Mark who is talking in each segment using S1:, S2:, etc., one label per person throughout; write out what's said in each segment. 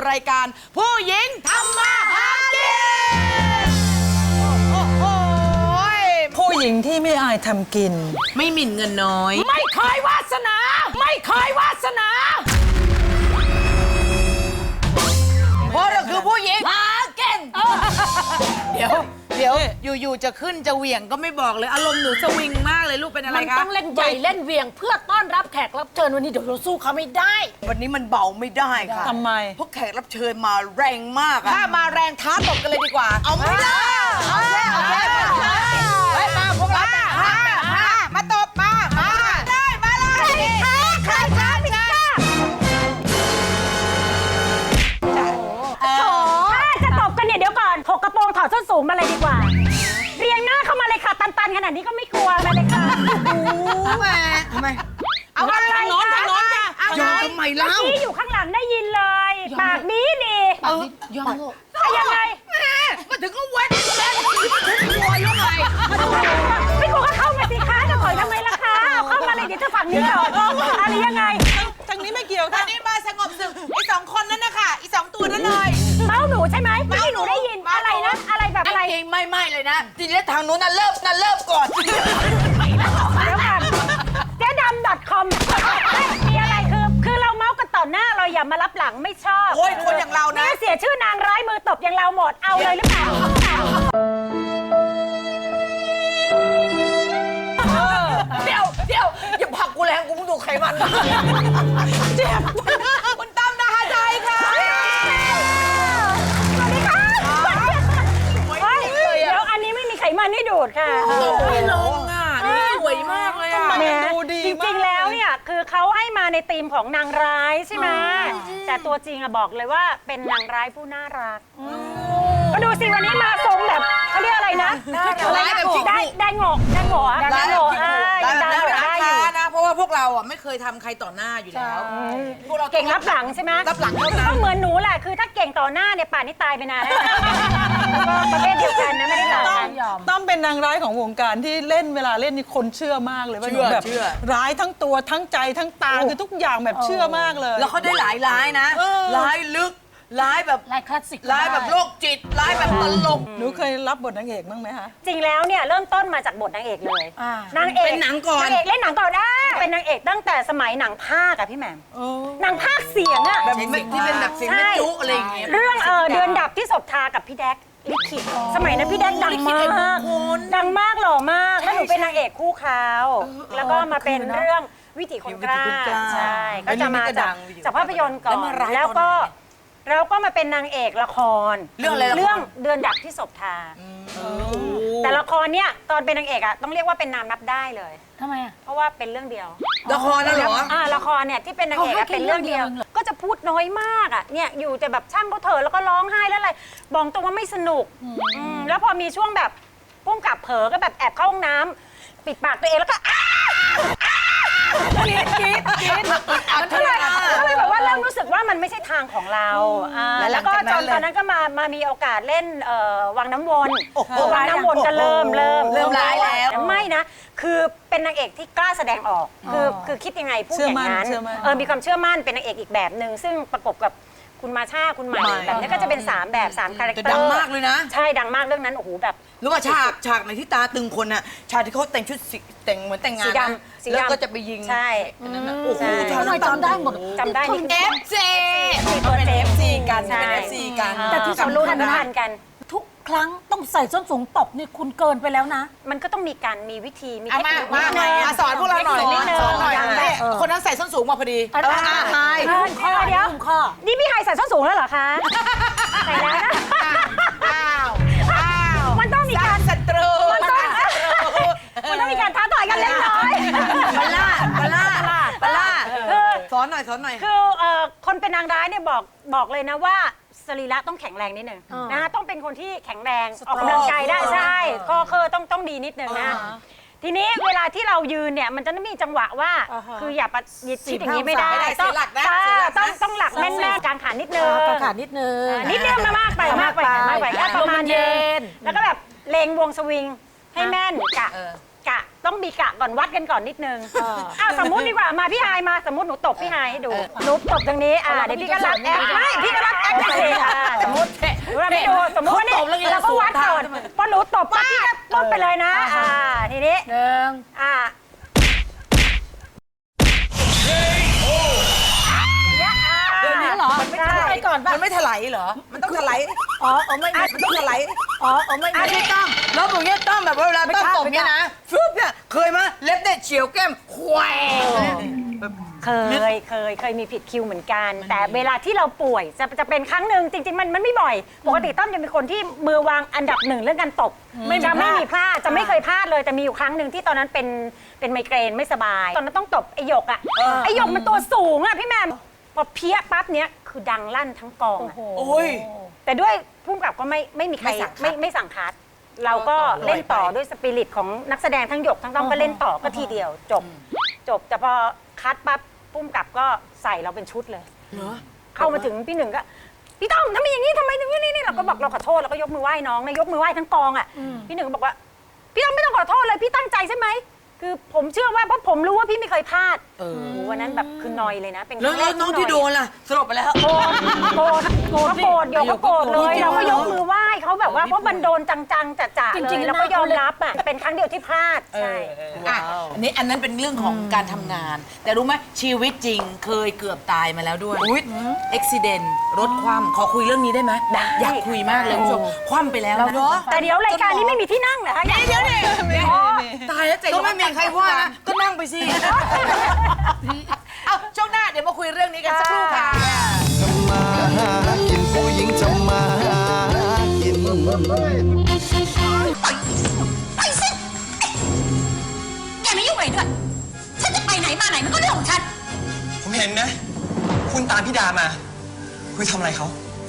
S1: รายการผู้หญิงทำมาหากิน
S2: ผู้หญิงที่ไม่อายทำกิน
S1: ไม่หมิ่นเงินน้อย
S3: ไม่เคยวาสนาไม่เคยวาสนา
S1: เพราะเราคือผู้หญิงหากินเดี๋ยวอยู่ๆจะขึ้นจะเหวี่ยงก็ไม่บอกเลยอารมณ์หนูสวิงมากเลยลูกเป็นอะไรคะ
S3: มันต้องเล่นใหญ่เล่นเวียงเพื่อต้อนรับแขกรับเชิญวันนี้เดี๋ยวเราสู้เขาไม่ได้
S1: วันนี้มันเบาไม่ได้ค่ะ
S2: ทำไม
S1: พวกแขกรับเชิญมาแรงมากถ้ามาแรงท้าตบกันเลยดีกว่าเอาไม่ได้เอาแค่มาพวกเรามาตบมาได้มาเลยใครช้าไม่ได้
S3: จะตบกันเนี่ยเดี๋ยวก่อนถกกระโปรงถอดส้นสูงมาเลยดีกว่าเรียงหน้าเข้ามาเลยค่ะตันๆขนาดนี้ก็ไม่กลัวมาเลยค่ะ
S1: แม่ทำไมเอาอะไรทางโน้นจ้ะยอมทำไมเล่า
S3: ที่อยู่ข้างหลังได้ยินเลยปากดียอมยังไง
S1: มาถึงก็วันแล้วมาถึงกลัวยังไง
S3: ไม่กลัวก็เข้ามาสิคะจะถอยทำไมล่ะคะเข้ามาเลยเดี๋ยวจะฝั่งนี้ก่อนอะไรยังไง
S2: ทางนี้ไม่เกี่ยวค่ะ
S1: ทางนี้มาสงบศึกไอ้2 คนนั้นนะคะไอ้2 ตัวนั้นเลย
S3: เมาหนูใช่ไหมไม่หนูได้ยินอะไรนะอะไรแบบอะไร
S1: จริงไม่เลยนะทีนี้ทางนู้นเริ่มก่อน
S3: แล้วกันเจ๊ดำ .com มีอะไรคือเราเมาส์กันต่อหน้าเราอย่ามารับหลังไม่ชอบ
S1: โอ้ยคนอย่างเรานะ
S3: เสียชื่อนางร้ายมือตบอย่างเราหมดเอาเลยหรือเปล่า
S1: เดี๋ยวอย่าผลักกูแรงกูมึงดูไขมันเจ็บคุณตั้มนาฮาใจค่ะ
S3: สวัสดีค่ะเดี๋ยวอันนี้ไม่มีไขมันให้ดูดค่ะ
S1: ไม่ลงอ่ะนี่สวยมากเลยอ่ะ
S2: ดูดี
S3: จริงๆแล้วเนี่ยคือเขาให้มาในธีมของนางร้ายใช่ไหมแต่ตัวจริงอะบอกเลยว่าเป็นนางร้ายผู้น่ารักก็ดูสิวันนี้มาทรงแบบเขาเรียกอะไรนะได้งอกได้
S1: นะเพราะว่าพวกเราอ่ะไม่เคยทำใครต่อหน้าอยู่แล้ว
S3: พวกเราเก่งรับหลังใช่ไหม
S1: รับหลังเท่านั้น
S3: ก็เหมือนหนูแหละคือถ้าเก่งต่อหน้าเนี่ยป่านนี้ตายไปนานแล้วประเภทเดียวกันนะไม่ได้ต่างกัน
S2: ต้องเป็นนางร้ายของวงการที่เล่นเวลาเล่นนี่คนเชื่อมากเลยว่าหนูแบบร้ายทั้งตัวทั้งใจทั้งตาคือทุกอย่างแบบเชื่อมากเลย
S1: แล้วเขาได้หลายร้ายนะร้ายลึกร้ายแบบ
S3: ร้ายคลาสสิก
S1: ร้ายแบบโรคจิตร้ายแบบตลก
S2: หนูเคยรับบทนางเอกบ้างไหมคะ
S3: จริงแล้วเนี่ยเริ่มต้นมาจากบทนางเอกเลยนางเอก
S1: เป็นหนังก่อน
S3: นางเอกเล่นหนังก่อนได้เป็นนางเอกตั้งแต่สมัยหนังภาคอะพี่แหม่มหนังภาคเสียงอะ
S1: แบบที่เป็นแบบเสียงแม่จุอะไรอย่างเงี้ย
S3: เรื่องเดือนดับที่ศพทากับพี่แดกลิขิตสมัยนั้นพี่แดกดังมากหล่อมากแล้วหนูเป็นนางเอกคู่เขาแล้วก็มาเป็นเรื่องวิถีคนกล้าใช่ก็จะมาจากภาพยนตร์ก่อนแล้วก็มาเป็นนางเอกละคร
S1: เรื่องอะไร
S3: เรื่องเดือนดับที่ศพทาแต่ละครเนี่ยตอนเป็นนางเอกอะต้องเรียกว่าเป็นนามนับได้เลย
S4: ทำไมอะ
S3: เพราะว่าเป็นเรื่องเดียว
S1: ละครนั่นเหรอ
S3: ละครเนี่ยที่เป็นนางเอกเป็นเรื่องเดียวก็จะพูดน้อยมากอะเนี่ยอยู่แต่แบบช่างเขาเถอะแล้วก็ร้องไห้แล้วอะไรบอกตรงว่าไม่สนุกแล้วพอมีช่วงแบบพุ่งกลับเผลอก็แบบแอบเข้าห้องน้ำปิดปากตัวเองแล้วก็กรี๊ดก็เลยแบบว่าเริ่มรู้สึกว่ามันไม่ใช่ทางของเราแล้วก็ตอนนั้นก็มามีโอกาสเล่นวังน้ำวนวังน้ำวนก็เริ่ม
S1: ร้ายแล้ว
S3: ไม่นะคือเป็นนางเอกที่กล้าแสดงออกคือคิดยังไงพูดอย่างนั้นมีความเชื่อมั่นเป็นนางเอกอีกแบบหนึ่งซึ่งประกบกับคุณมาชาคุณใหม่แบบนี้ก็จะเป็น3แบบ3คาแรคเตอร์
S1: ดังมากเลยนะ
S3: ใช่ดังมากเรื่องนั้นโอ้โหแบบ
S1: รู้ว่าฉากในที่ตาตึงคนน่ะฉากที่เขาแต่งชุดแต่งเหมือนแต่งงานแล้วก็จะไปยิง
S3: ใช่
S1: โอ้โห
S4: ทำไมจำได้หมด
S3: จำได้
S1: นี่ FC เป็น FC กันเป็น FC กัน
S4: แต่ที่สำคัญนะทุกครั้งต้องใส่ส้นสูงตบนี่คุณเกินไปแล้วนะ
S3: มันก็ต้องมีวิธีมีเทคนิค
S1: มาสอนพวกเราหน่อยสอนหน่อยคนนั้นใส่ส้นสูงมาพอดี
S3: ไฮเดี๋ยวนี่พี่ไฮใส่ส้นสูงแล้วเหรอคะใส่แล้วนะมันต้องมีการ
S1: ศัตรู
S3: มันต้องมีการท้าต่อยกันเล็กน้อย
S1: บลล่าสอนหน่อย
S3: คือคนเป็นนางร้ายเนี่ยบอกเลยนะว่าสรีระต้องแข็งแรงนิดนึงนะต้องเป็นคนที่แข็งแรงออกกำลังกายได้ใช่ข้อเคอต้องดีนิดนึงนะทีนี้เวลาที่เรายืนเนี่ยมันจะต้องมีจังหวะว่าคืออย่าประยิดอย่างนี้ไม่ได้ต้องหลักแน่นๆกางขานิดนึงมากไปแค่ประมาณเย็นแล้วก็แบบเลงวงสวิงให้แม่นกะต้องมีกะก่อนวัดกันก่อนนิดนึงสมมุติดีกว่ามาพี่ไฮายมาสมมุติหนูตบพี่ไฮายให้ดูหนูตบตรงนี้เดี๋ยวพี่ก็รับแอคไม่พี่ก็รับแอคได้เลยสมมติให้ดูสมมติว่านี่เราก็วัดก่อนพอหนูตบปั๊บพี่ก็ตบไปเลยนะทีนี้
S1: เดี๋ยวนี้เหรอ
S3: มันไม่ใช่
S4: ไปก่อนป่ะ
S1: มันไม่ถลายเหรอ มันต้องถลาย
S4: ไม่
S1: มันต้องถลาย
S4: ไม่
S1: ไม่ต้องแล้วผมเนี่ยต้องแบบว่าเวลาต้องตบเนี่ยนะฟึบเนี่ยเคยมั้ยเล็บเนี่ยเฉียวแก้มแคว
S3: เคยมีผิดคิวเหมือนกัน แต่เวลาที่เราป่วยจะเป็นครั้งหนึ่งจริงๆมันไม่บ่อยปกติต้อมจะเป็นคนที่มือวางอันดับหนึ่งเรื่องการตบจะไม่มีพลาดจะไม่เคยพลาดเลยแต่มีอยู่ครั้งหนึ่งที่ตอนนั้นเป็นไมเกรนไม่สบายตอนนั้นต้องตบไอหยกไอหยกมันตัวสูงพี่แม่พอเพี้ยปั๊บเนี้ยคือดังลั่นทั้งกอง
S1: โอ้ย
S3: แต่ด้วยพุ่มกับก็ไม่มีใครไม่สั่งคัดเราก็เล่นต่อด้วยสปิริตของนักแสดงทั้งหยกทั้งต้องก็เล่นต่อก็ทีเดียวจบแต่พอคัดปั๊บพุ่มกับก็ใส่เราเป็นชุดเลยเข้ามาถึงพี่หนึ่งก็พี่ต้อมทำไมอย่างนี้ทำไมถึงนี่เราก็บอกเราขอโทษแล้วก็ยกมือไหว้น้องนะยกมือไหว้ทั้งกองพี่หนึ่งก็บอกว่าพี่ต้อมไม่ต้องขอโทษเลยพี่ตั้งใจใช่ไหมคือผมเชื่อว่าเพราะผมรู้ว่าพี่ไม่เคยพลาดวันนั้นแบบคือนอยเลยนะเป็นครั้งแรก
S1: น้องที่โดนล่ะสลบไปแล้ว
S3: โกรธโยกก็โกรธเลยเราก็ยกมือไหว้เขาแบบว่าเพราะมันโดนจังๆจ่าๆเลยเราก็ยอมรับเป็นครั้งเดียวที่พลาดใช่
S1: อันนั้นเป็นเรื่องของการทำงาน แต่รู้ไหมชีวิตจริงเคยเกือบตายมาแล้วด้วยอุบิเหตุรถคว่ำขอคุยเรื่องนี้ได้ไหมอยากคุยมากเลยคุณผู้ชมคว่ำไปแล้วนะ
S3: แต่เดี๋ยวรายการนี้ไม่มีที่นั่งเหรอคะ
S1: เดี๋ยวตายแล้วก็ไม่มีใครว่านะก็นั่งไปสิเอาช่วงหน้าเดี๋ยวมาคุยเรื่องนี้กันสักครู่ค่ะ
S5: ทำมาหากินผู้หญิงทำมาหากิน
S6: ไปสิแกไม่ยุ่งอะไรด้วยฉันจะไปไหนมาไหนมันก็เรื่องของฉัน
S7: ผมเห็นนะ คุณตามพี่ดามาคุยทำอะไรเขา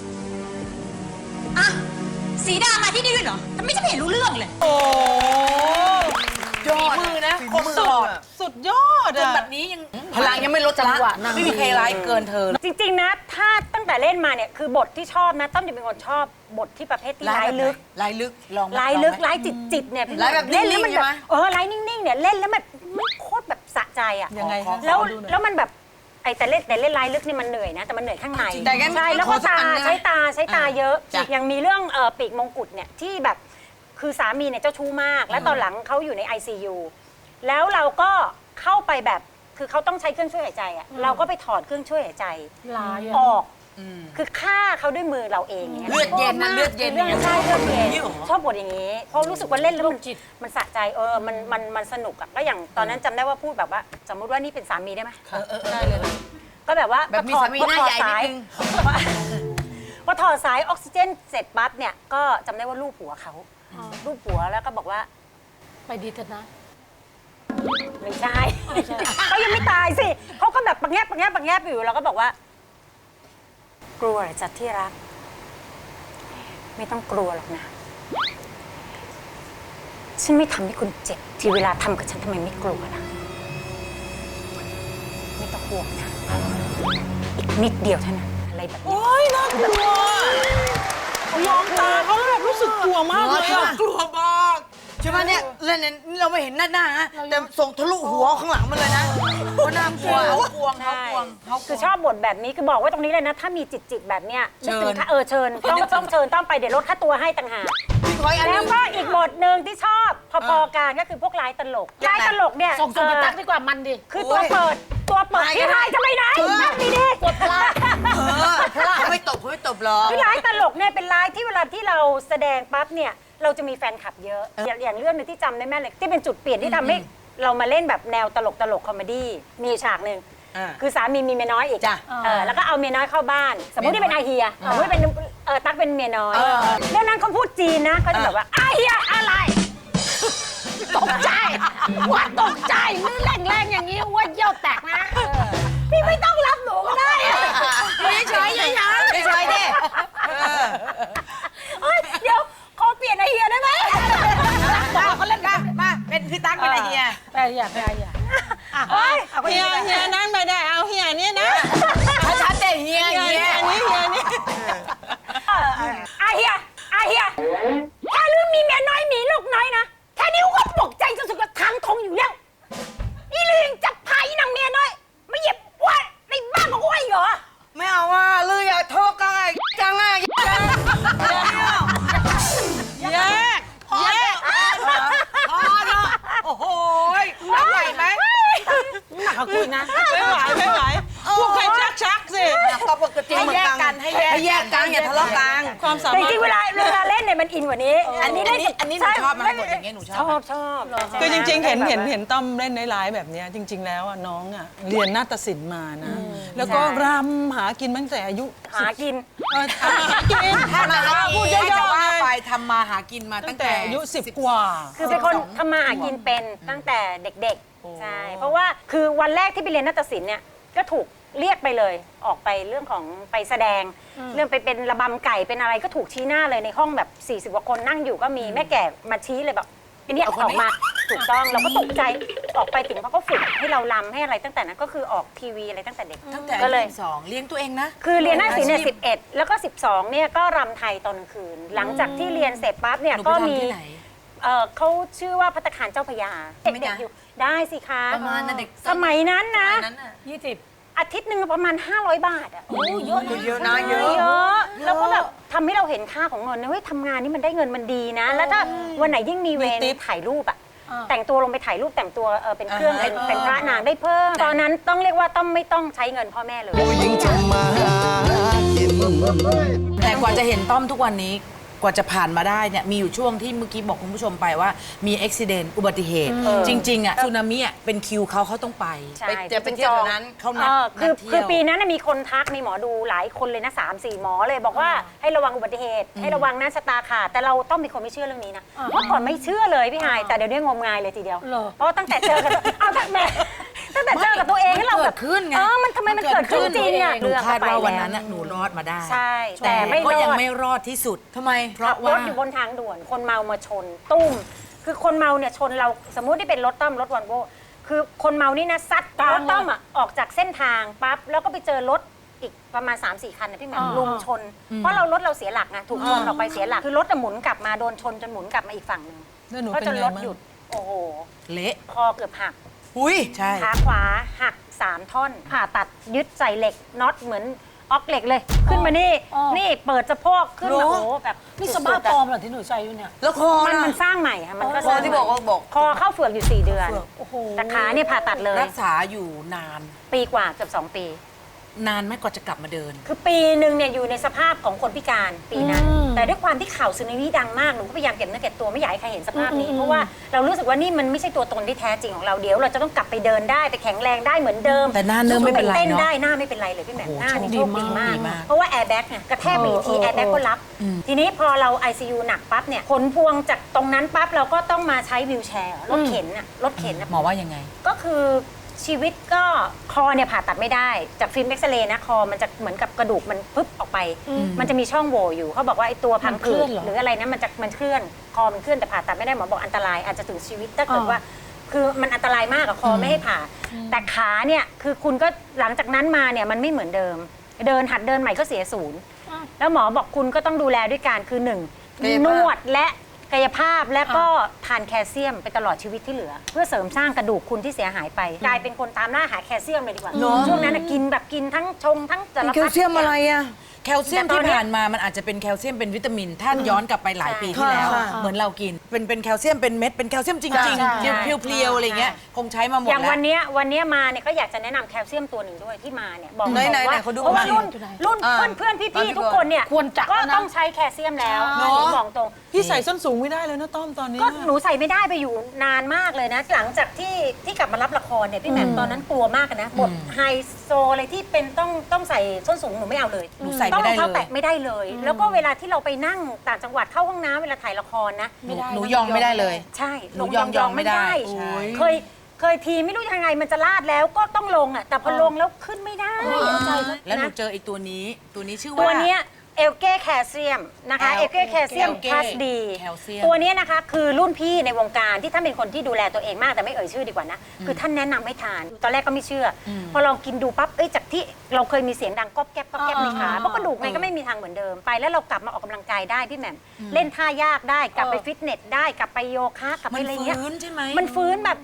S6: อ่ะสีดามาที่นี่ด้วยเหรอทำไมฉันไม่เห็นรู้เรื่องเลย
S1: โอ้ยอดมือนะคมสอด
S2: สุดยอด
S1: จนแบบนี้ยังพลังยังไม่ลดละไม่มีใครร้ายเกินเธอ
S3: จริงๆนะถ้าตั้งแต่เล่นมาเนี่ยคือบทที่ชอบนะต้อมจะเป็นคนชอบบทที่ประเภทที่ร้ายลึก
S1: ร้
S3: ายจิตเนี่ย
S1: ร้ายแบบ
S3: เล่นแล้วมันแบบร้ายนิ่งๆเนี่ยเล่นแล้วมันโคตรแบบสะใจ
S2: ยังไง
S3: แล้วมันแบบแต่เล่นร้ายลึกนี่มันเหนื่อยนะแต่มันเหนื่อยข้างในใช่แล้วก็ใช้ตาเยอะอย่างมีเรื่องปีกมงกุฎเนี่ยที่แบบคือสามีเนี่ยเจ้าชู้มากแล้วตอนหลังเขาอยู่ใน ICU แล้วเราก็เข้าไปแบบคือเขาต้องใช้เครื่องช่วยหายใจเราก็ไปถอดเครื่องช่วยหายใจออกคือฆ่าเขาด้วยมือเราเอง
S1: เลือดเย็นนะเลือดเย็น
S3: ใช่เลือดเย็นชอบบทอย่างนี้เพราะรู้สึกว่าเล่นแล้วมันสะใจมันสนุกก็อย่างตอนนั้นจำได้ว่าพูดแบบว่าสมมติว่านี่เป็นสามีได้ไหม
S1: ได้เลย
S3: ก็แบบว่า
S1: แบบมีสามีหน้าใหญ่นิดนึง
S3: พอถอดสายออกซิเจนเสร็จปั๊บเนี่ยก็จำได้ว่าลูบหัวเขาลูบหัวแล้วก็บอกว่า
S4: ไปดีเถอะนะ
S3: ไม่ใช่เขายังไม่ตายสิเขาก็แบบปังแงบอยู่แล้วก็บอกว่ากลัวจัดที่รักไม่ต้องกลัวหรอกนะฉันไม่ทำให้คุณเจ็บที่เวลาทำกับฉันทำไมไม่กลัวล่ะไม่ต้องห่วงนะอีกนิดเดียวเท่านั้นอะไรแบบนี้
S2: โอ้ยน่ากลัวมองตาเขาแบบรู้สึกกลัวมากเลย
S1: กลัวมากใช่ไหมเนี่ยเล่นเราไม่เห็นหน้านะแต่ส่งทะลุหัวข้างหลังมันเลยนะเพราะน่ากลัวเขากวง
S3: คือชอบบทแบบนี้คือบอกไว้ตรงนี้เลยนะถ้ามีจิตแบบเนี้ยเชิญต้องเชิญต้องไปเดี๋ยวลดค่าตัวให้ต่างหากแล้วก็อีกบทหนึ่งที่ชอบพอๆกันก็คือพวกร้ายตลกเนี่ย
S4: ส่งกระตักดีกว่ามันดิ
S3: คือตัวเปิดพี่ไฮจะไปไหนนั่งดี
S4: กดพลาด
S1: เขาไม่ตบหรอก
S3: พี่ร้ายตลกเนี่ยเป็นร้ายที่เวลาที่เราแสดงปั๊บเนี่ยเราจะมีแฟนคลับเยอะอย่างเรื่องนึงที่จำได้แม่นเลยที่เป็นจุดเปลี่ยนที่ทำให้เรามาเล่นแบบแนวตลกคอมเมดี้มีฉากหนึ่งคือสามีมีเมียน้อยอีกแล้วก็เอาเมียน้อยเข้าบ้านสมมติที่เป็นอาเฮียสมมติเป็นตั๊กเป็นเมียน้อยเรื่องนั้นเขาพูดจีนนะเขาจะแบบว่าอาเฮียอะไร
S4: ตกใจว่าตกใจมือแรงอย่างนี้ว่าเยี่ยวแตกนะ
S3: พี่ไม่ต้องรับหนูก็ได้
S1: เฉยดิ
S3: เดี๋ยวขอเปลี่ยนไอเฮียได้ไหม
S1: บอกเขาเล่นกันมาเป็นพี่ตั๊กเป็นไอเฮีย
S4: ไปเฮีย
S2: เฮียนั่นไม่ได้เอาเฮียนี่นะ
S1: ชัดๆเลยเฮีย
S2: นี่
S3: อาเฮียถ้าลืมมีเมียน้อยมีลูกน้อยนะแค่นี้ก็ตกใจสุดๆก็ทั้งทงอยู่เหรอ
S1: ไม่เอาว่าลืออย่าโทษกันไงจังไงจัง
S2: แยก
S1: พอเนาะโอ้โหไหวไหม
S4: หนักกว่าคุณนะ
S2: ไม่ไหวพวกใครชักสิ
S1: ก็ปกติให้แยกกันให้แยกกันอย่าทะเลาะกัน
S2: ความสา
S3: แต่
S2: มารถ
S3: จริงๆเวลาเล่นเนี่ยมันอินกว่านี้
S1: อันนี้หนูชอบไหมบทอย่างเงี้ยหนูชอบ
S3: ชอบ
S2: คือจริงๆ เห็นต้อมเล่นในไลฟ์แบบเนี้ยจริง ๆ แล้วอะน้องอะเรียนนาฏศิลป์มานะ แล้วก็รำหากินตั้งแต่อายุ
S3: หากิน
S2: หากิน
S1: ถ้ามาหา
S2: พูด
S1: กิน
S2: ย่อ
S1: ว่า
S2: ๆ
S1: ไป
S2: ไง
S1: ทำมาหากินมา
S2: ตั้
S1: ตั้
S2: ง
S1: ง
S2: แต่
S1: แต่
S2: อายุ10 กว่า
S3: คือเป็นคนทำมาหากินเป็นตั้งแต่เด็กๆ ใช่ เพราะว่าคือวันแรกที่ไปเรียนนาฏศิลป์เนี่ยก็ถูกเรียกไปเลยออกไปเรื่องของไปแสดง เรื่องไปเป็นระบำไก่เป็นอะไรก็ถูกชี้หน้าเลยในห้องแบบ40 กว่าคนนั่งอยู่ก็มีแม่แก่มาชี้เลยแบบไอ้เนี่ยออกมาถูกต้องเราก็ตกใจออกไปถึงเขาก็ฝึกให้เราลำให้อะไรตั้งแต่นั้นก็คือออกทีวีอะไรตั้งแต่เด็ก
S1: ตั้งแต่
S3: ก็เลย
S1: 2เลี้ยงตัวเองนะ
S3: คือเรียนนาฏศิลป์เนี่ย11 แล้วก็ 12 เนี่ยก็รำไทยตอนกลางคืน หลังจากที่เรียนเสร็จปั๊บเนี่ย
S1: หนู
S3: ก็
S1: ไป
S3: มี
S1: ทำที่ไหน
S3: เขาชื่อว่าภัตตาคารเจ้าพระยา
S1: ไม่
S3: เด็
S1: ได้
S3: กๆอยู่ได้สิคะ
S1: ประมาณนั้นเด็ก
S3: สมัยนั้นนะ
S1: นั้นน่ะ
S3: อาทิตย์หนึ่งประมาณ 500 บาทอ่ะโอ้เยอะนะ
S1: เยอะนะเยอะ
S3: เยอะแล้วก็แบบทำให้เราเห็นค่าของเงินนะเฮ้ยทำงานนี่มันได้เงินมันดีนะ แล้วถ้าวันไหนยิ่งมีเวร
S2: มีติ๊บ
S3: ถ่ายรูปอ่ะแต่งตัวลงไปถ่ายรูปแต่งตัวเป็นเครื่องเป็นพระนางได้เพิ่มตอนนั้นต้องเรียกว่าต้องไม่ต้องใช้เงินพ่อแม่เลย
S5: ผู้หญิงทำมาหากิน
S1: แต่กว่าจะเห็นต้อมทุกวันนี้กว่าจะผ่านมาได้เนี่ยมีอยู่ช่วงที่เมื่อกี้บอกคุณผู้ชมไปว่ามีอุบิเหตุอุบัติเหตุ จริงๆอ่ะสึนามิอ่ะเป็นคิวเขาต้องไป
S3: ใช่
S1: จะเป็นเที่ยวนั้นเขานัด
S3: คือปีนั้นนะมีคนทักมีหมอดูหลายคนเลยนะ3-4 หมอเลยบอกว่าให้ระวังอุบัติเหตุ ให้ระวังนะชะตาขาดแต่เราต้องเป็นคนไม่เชื่อเรื่องนี้นะเมื่อก่อนไม่เชื่อเลยพี่หายแต่เดี๋ยวนี้งมงายเลยทีเดียวเพราะว่าตั้งแต่เจอกันเอาตั้งแต่เจอกับตัวเองให้เราแบบ
S1: เกิดขึ้นไง
S3: มันทำไมมันเกิดขึ้นจริงอ่ะ
S1: หนูคาดว่าวันนั้นน่ะหนูรอดมาได้
S3: ใช่แต่ไม่ร
S1: ก็
S3: อ
S1: ยัง
S3: ด
S1: ไม่รอดที่สุดทำไมเพราะ
S3: ขับร
S1: ว่า
S3: ถอยู่บนทางด่วนคนเมามาชนตุ้มคือคนเมาเนี่ยชนเราสมมุติที่เป็นรถต้อมรถวันโวคือคนเมานี่นะซัดรถต้อมอ่ะออกจากเส้นทางปั๊บแล้วก็ไปเจอรถอีกประมาณ 3-4 คันนะพี่แหม่มลุมชน เพราะรถเราเสียหลักนะถูกชนออกไปเสียหลักคือรถจะหมุนกลับมาโดนชนจนหมุนกลับมาอีกฝั่งหนึ่ง
S2: แล้วหนู
S3: ก็
S2: เป็น
S3: จน
S2: ไง
S3: รถ
S2: บ้าง
S3: หยุดโอ้โห
S1: เละ
S3: คอเกือบหัก
S1: อุ้ยใช่
S3: ขาขวาหัก3 ท่อนผ่าตัดยึดใส่เหล็กน็อตเหมือนออกเหล็กเลย ขึ้นมานี่นี่เปิดสะโพกขึ้นมาโอ้โหแบบ
S4: นี่สบ้าปลอมเหรอที่หนูใส่อยู่เนี่ย
S1: แล้วคอ
S3: มัน
S1: น่ะ
S3: มันสร้างใหม่ค่ะมันก็
S1: คอที่บอกว่าบอก
S3: คอเข้าเฟือกอยู่ 4 เดือน
S4: โอ้โห
S3: แต่ขาเนี่ยผ่าตัดเลย
S1: รักษาอยู่นาน
S3: ปีกว่าเกือบ2 ปี
S1: นานไหมกว่าจะกลับมาเดิน
S3: คือปีหนึ่งเนี่ยอยู่ในสภาพของคนพิการปีนั้น แต่ด้วยความที่ข่าวสึนามิดังมากหนูก็พยายามเก็บเนื้อเก็บตัวไม่อยากให้ใครเห็นสภาพนี้ เพราะว่าเรารู้สึกว่านี่มันไม่ใช่ตัวตนที่แท้จริงของเราเดี๋ยวเราจะต้องกลับไปเดินได้ไปแข็งแรงได้เหมือนเดิม
S1: แต่หน้าเนิ่มไม่เป็นไรเนอะ
S3: เต้นได้หน้าไม่เป็นไรเลยพี่แหม่ม
S1: โอ้โห
S3: หน้านี่
S1: โช
S3: โช
S1: ค
S3: ค
S1: ดี
S3: ดีมาก
S1: มาก
S3: เพราะว่าแอร์แบ็กเนี่ยกระแทกไปอีกทีแอร์แบ็กก็รับ ทีนี้พอเรา ICU หนักปั๊บเนี่ยผลพวงจากตรงนั้นปั๊บเราก็ต้องมาใช้วีลแชร์รถเข็นน่ะรถเข็นน่ะ
S1: หมอว่ายังไง
S3: ก็คือชีวิตก็คอเนี่ยผ่าตัดไม่ได้จากฟิล์มเอ็กซเรย์นะคอมันจะเหมือนกับกระดูกมันพึบออกไป มันจะมีช่องโหว่อยู่เขาบอกว่าไอ้ตัวพังผืดหรืออะไรนะมันเคลื่อนคอมันเคลื่อนแต่ผ่าตัดไม่ได้หมอบอกอันตรายอาจจะถึงชีวิตถ้าเกิดว่า คือมันอันตรายมากอะคอไม่ให้ผ่า แต่ขาเนี่ยคือคุณก็หลังจากนั้นมาเนี่ยมันไม่เหมือนเดิม หัดเดินใหม่ก็เสียศูนย์แล้วหมอบอกคุณก็ต้องดูแลด้วยการคือ1นวดและกายภาพและก็ทานแคลเซียมไปตลอดชีวิตที่เหลือ เพื่อเสริมสร้างกระดูกคุณที่เสียหายไป กลายเป็นคนตามล่าหาแคลเซียมเลยดีกว่า ช่วงนั้นน่ะกินแบบกินทั้งชงทั้งสารพัด
S1: แคลเซียมอะไรอะแคลเซียม
S3: แต่ตอ
S1: ที่
S3: นเนี้ย
S1: ผ่านมามันอาจจะเป็นแคลเซียมเป็นวิตามิน ถ้าย้อนกลับไปหลายปีที่แล้ว
S4: ค่ะ
S1: เหมือนเรากิน เป็นแคลเซียมเป็นเม็ดเป็นแคลเซียมจริง
S3: ใช่
S1: ๆเพลียวๆอะไรเงี้ยคงใช้มาหมด
S3: อย่าง
S1: แล้ว
S3: วันเนี้ยมาเนี่ยก็อยากจะแนะนำแคลเซียมตัวหนึ่งด้วยที่มาเนี่ยบอก
S1: ไหนๆ
S3: ว่า
S1: ขอดู
S3: เพราะว่า
S1: หน่อย
S3: รุ่น
S1: อ่า
S3: เพื่อนๆ
S1: อ่า
S3: พี่ๆทุกคนเนี่ย
S4: ควรจะ
S3: ก็
S4: นะ
S3: ต้องใช้แคลเซียมแล้ว
S1: เนอะ
S3: หนูบอกตรง
S2: พี่ใส่ส้นสูงไม่ได้เลยนะต้อมตอนนี้
S3: ก็หนูใส่ไม่ได้ไปอยู่นานมากเลยนะ หลังจากที่กลับมารับละครเนี่ยพี่แหม่มตอนนั้นกลัวมากนะบทไฮโซอะไรที่เป็นต้องใส่ส้นสูงหนูไม่เอาเลย
S1: หนูใส่
S3: ต้อง
S1: ไม่
S3: ร
S1: ได้
S3: อง
S1: เล
S3: เท้าย แตะไม่ได้เลย แล้วก็เวลาที่เราไปนั่งต่างจังหวัดเข้าห้องน้ำเวลาถ่ายละครนะ
S1: หนูยองไม่ได้เลย
S3: ใช่
S1: หนูยองไม่ได้ใช่
S3: เคยทีไม่รู้ยังไงมันจะลาดแล้วก็ต้องลงอ่ะแต่พอลงแล้วขึ้นไม่ได้
S1: แล้วหนู
S3: นะ
S1: เจออีกตัวนี้ชื่อว่า
S3: ตัวเนี้ยเอลเก้แคลเซียมนะคะเอลเก้แคลเซียม
S1: Elke
S3: พลัสดี
S1: แคลเซียม
S3: ตัวเนี้ยนะคะคือรุ่นพี่ในวงการที่ท่านเป็นคนที่ดูแลตัวเองมากแต่ไม่เอ่ยชื่อดีกว่านะคือท่านแนะนำให้ทาน ตอนแรกก็ไม่เชื่ออพอลองกินดูปั๊บจากที่เราเคยมีเสียงดังก๊อบแก๊บก๊อบแก๊บในขาเพราะกระดูกไงก็ไม่มีทางเหมือนเดิมไปแล้วเรากลับมาออกกำลังกายได้พี่แหม่มเล่นท่ายากได้กลับไปฟิตเนสได้กลับไปโยคะกลับไป
S1: มัน
S3: อะไรเงี้ย
S1: ฟื้นใช่ไหม
S3: มันฟื้นแบบ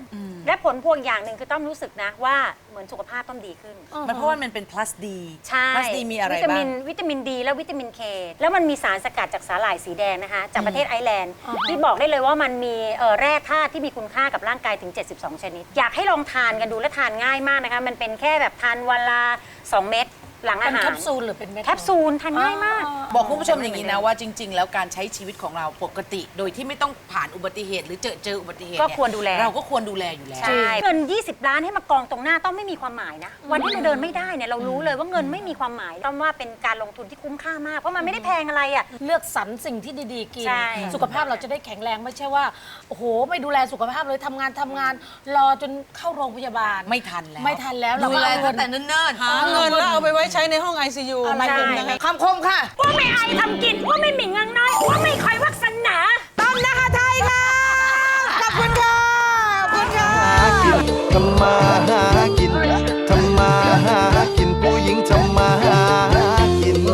S3: และผลพวงอย่างหนึ่งคือต้องรู้สึกนะว่าเหมือนสุขภาพต้องดีขึ้น
S1: มันเพราะว่ามันเป็น plus D
S3: ใช่
S1: plus D มีอะไร
S3: วิตา
S1: บ้า
S3: มิ
S1: ง
S3: นวิตามินดีและวิตามินเคแล้วมันมีสารสกัดจากสาหร่ายสีแดงนะคะจากประเทศไอร์แลนด์ที่บอกได้เลยว่ามันมีแร่ธาตุที่มีคุณค่ากับร่างกายถึง 72 ชนิด อยากให้ลองทานกันดูและทานง่ายมากนะคะมันเป็นแค่แบบทานวันละ2 เม็ดหลังอา
S4: เป็น
S3: หาร
S4: แคปซูลหรือเป็นเม็ด
S3: แคปซูลทานง่ายมาก
S1: บอกคุณผู้ชมอย่างนี้นะว่าจริง ๆ แล้วการใช้ชีวิตของเราปกติ โดยที่ไม่ต้องผ่านอุบัติเหตุหรือเจออุบัติเหตุ
S3: ก็
S1: เนี่ย
S3: ควรดูแล
S1: เราก็ควรดูแลอยู่แล้ว
S3: ใช่เงิน 20 ล้านให้มากองตรงหน้าต้องไม่มีความหมายนะ วันที่เราเดินไม่ได้เนี่ยเรารู้เลยว่าเงินไม่มีความหมายต้องว่าเป็นการลงทุนที่คุ้มค่ามากเพราะมันไม่ได้แพงอะไรอ่ะ
S4: เลือกสรรสิ่งที่ดีๆกิน
S3: ใช่
S4: สุขภาพเราจะได้แข็งแรงไม่ใช่ว่าโอ้โหไม่ดูแลสุขภาพเลยทำงานรอจนเข้าโรงพยาบาล
S1: ไม่ทันแล้ว
S4: ไม่ทันแล้วเรา
S1: ดู
S4: ก็
S1: แล
S4: เอาเงิ
S1: ตั้
S4: น
S1: งแต่เนิ่น
S2: หาเงินแล้วเอาไปไว้ใช้ในห้อง ICU ไม่เป็นนะคะ
S1: ๆคำคมค่ะ
S3: ว่าไม่อายทำกินว่าไม่หมิ่นเงินน้อยว่าไม่คอยวักษณา
S1: ต้อมนะคะไทยค่ะ ขอบคุณค่ะ ขอบคุณค่ะ
S5: หากินทำมาหากินทำมาหากินผู้หญิงทำมาหากิน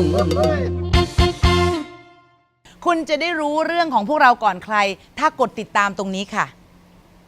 S1: คุณจะได้รู้เรื่องของพวกเราก่อนใคร ถ้ากดติดตามตรงนี้ค่ะ